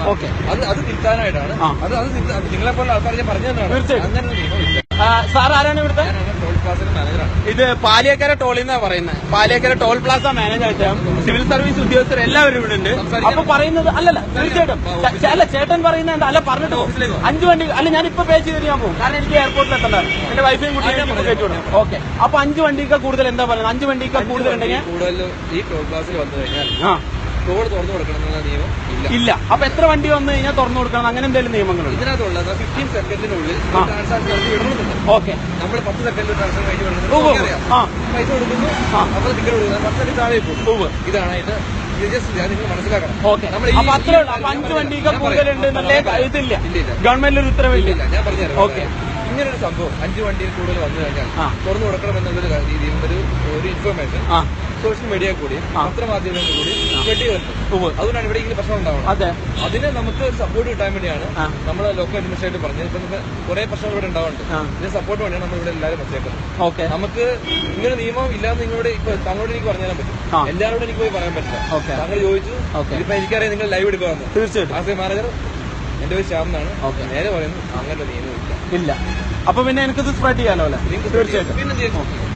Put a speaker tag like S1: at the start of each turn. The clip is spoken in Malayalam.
S1: ഓക്കെ,
S2: അത് തിരുത്താനായിട്ടാണ്. അത് നിങ്ങളെപ്പോലെ ആൾക്കാർ ഞാൻ പറഞ്ഞു തന്നെയാണ്.
S1: തീർച്ചയായും.
S2: അങ്ങനെ ഒരു നിയമം ഇല്ല.
S1: സാർ ആരാണ് ഇവിടുത്തെ?
S2: ടോൾ പ്ലാസയുടെ മാനേജറാണ്.
S1: ഇത് പാലിയേക്കര ടോളിൽ നിന്നാ പറയുന്നത്. പാലിയേക്കര ടോൾ പ്ലാസ മാനേജായിട്ട് സിവിൽ സർവീസ് ഉദ്യോഗസ്ഥർ എല്ലാവരും ഇവിടെ ഉണ്ട്. അപ്പൊ പറയുന്നത് അല്ലല്ല, തീർച്ചയായിട്ടും അല്ല, ചേട്ടൻ പറയുന്നത് എന്താ? അല്ല, പറഞ്ഞിട്ട് 5 വണ്ടി അല്ല, ഞാൻ ഇപ്പൊ പേ ചെയ്തിട്ട് ഞാൻ പോകും. കാരണം എനിക്ക് എയർപോർട്ടിൽ എത്തണ്ടായിരുന്നു. എന്റെ വൈഫൈയും കുട്ടിയും കയറ്റി വിടും. ഓക്കെ, അപ്പൊ 5 വണ്ടിക്ക് കൂടുതൽ എന്താ പറയുന്നത്? 5 വണ്ടിക്ക് കൂടുതൽ ഉണ്ടെങ്കിൽ
S2: കൂടുതൽ ഈ ടോൾ പ്ലാസിൽ വന്നു കഴിഞ്ഞാൽ ടോൾ തുറന്നു കൊടുക്കണമെന്നുള്ള നിയമം
S1: ഇല്ല. അപ്പൊ എത്ര വണ്ടി വന്നു കഴിഞ്ഞാൽ തുറന്നു കൊടുക്കണം, അങ്ങനെ എന്തെങ്കിലും നിയമങ്ങളുണ്ട്?
S2: ഇതിനകത്തുള്ളത് 15 സെക്കൻഡിനുള്ളിൽ ട്രാൻസാക്ഷൻ നടത്തി വിടുന്നുണ്ട്.
S1: ഓക്കെ,
S2: നമ്മൾ 10 സെക്കൻഡിൽ ട്രാൻസാക്ഷൻ കഴിഞ്ഞ് വിടുന്നത്. പൈസ കൊടുക്കുന്നു, അപ്പോൾ ടിക്കറ്റ് കൊടുക്കുന്നത് 10 സെക്കൻഡ് താഴെ പോകും. ഇതാണ് ഇത്. നിങ്ങൾ മനസ്സിലാക്കണം.
S1: ഓക്കെ, അപ്പൊ അത്രേ ഉള്ളൂ. അപ്പൊ 5 വണ്ടിക്ക് കൂടുതലുണ്ട് എന്നല്ലേ? ഇതില്ല, ഗവൺമെന്റിൽ ഒരു ഉത്തരവില്ല.
S2: ഞാൻ പറഞ്ഞുതരാം. ഓക്കെ, ഇങ്ങനൊരു സംഭവം 5 വണ്ടിയിൽ കൂടുതൽ വന്നു കഴിഞ്ഞാൽ തുറന്നു കൊടുക്കണം എന്നുള്ളൊരു രീതിയിൽ ഒരു ഇൻഫർമേഷൻ സോഷ്യൽ മീഡിയ കൂടി പത്രമാധ്യമങ്ങളിൽ കൂടി വെട്ടി വരുന്നത്. അതുകൊണ്ടാണ് ഇവിടെ ഇങ്ങനെ പ്രശ്നം ഉണ്ടാവുന്നത്. അതിന് നമുക്ക് സപ്പോർട്ട് കിട്ടാൻ വേണ്ടിയാണ് നമ്മൾ ലോക്കൽ അഡ്മിനിസ്ട്രേറ്റർ പറഞ്ഞത്. ഇപ്പൊ നമുക്ക് കുറെ പ്രശ്നങ്ങൾ ഇവിടെ ഉണ്ടാവുന്നുണ്ട്. ഇതിന് സപ്പോർട്ട് വേണ്ടിയാണ് നമ്മൾ ഇവിടെ എല്ലാവരും വെച്ചേക്കുന്നത്. നമുക്ക് ഇങ്ങനെ നിയമം ഇല്ലാന്ന് നിങ്ങളോട് ഇപ്പൊ താങ്കളോട് എനിക്ക് പറഞ്ഞു തരാൻ പറ്റും. എല്ലാവരോടും എനിക്ക് പോയി പറയാൻ പറ്റില്ല. താങ്കൾ ചോദിച്ചു, ഇപ്പൊ എനിക്കറിയാം നിങ്ങൾ ലൈവ് എടുക്കുവാന്ന്.
S1: തീർച്ചയായിട്ടും.
S2: ആസ് എ മാനേജർ എന്റെ പേര് ശ്യാം എന്നാണ്. നേരെ പറയുന്നു, അങ്ങനെ നിയമം ഇല്ല.
S1: അപ്പൊ പിന്നെ എനിക്കിത് സ്പ്രെഡ് ചെയ്യാലോ അല്ലെ?
S2: തീർച്ചയായിട്ടും. പിന്നെ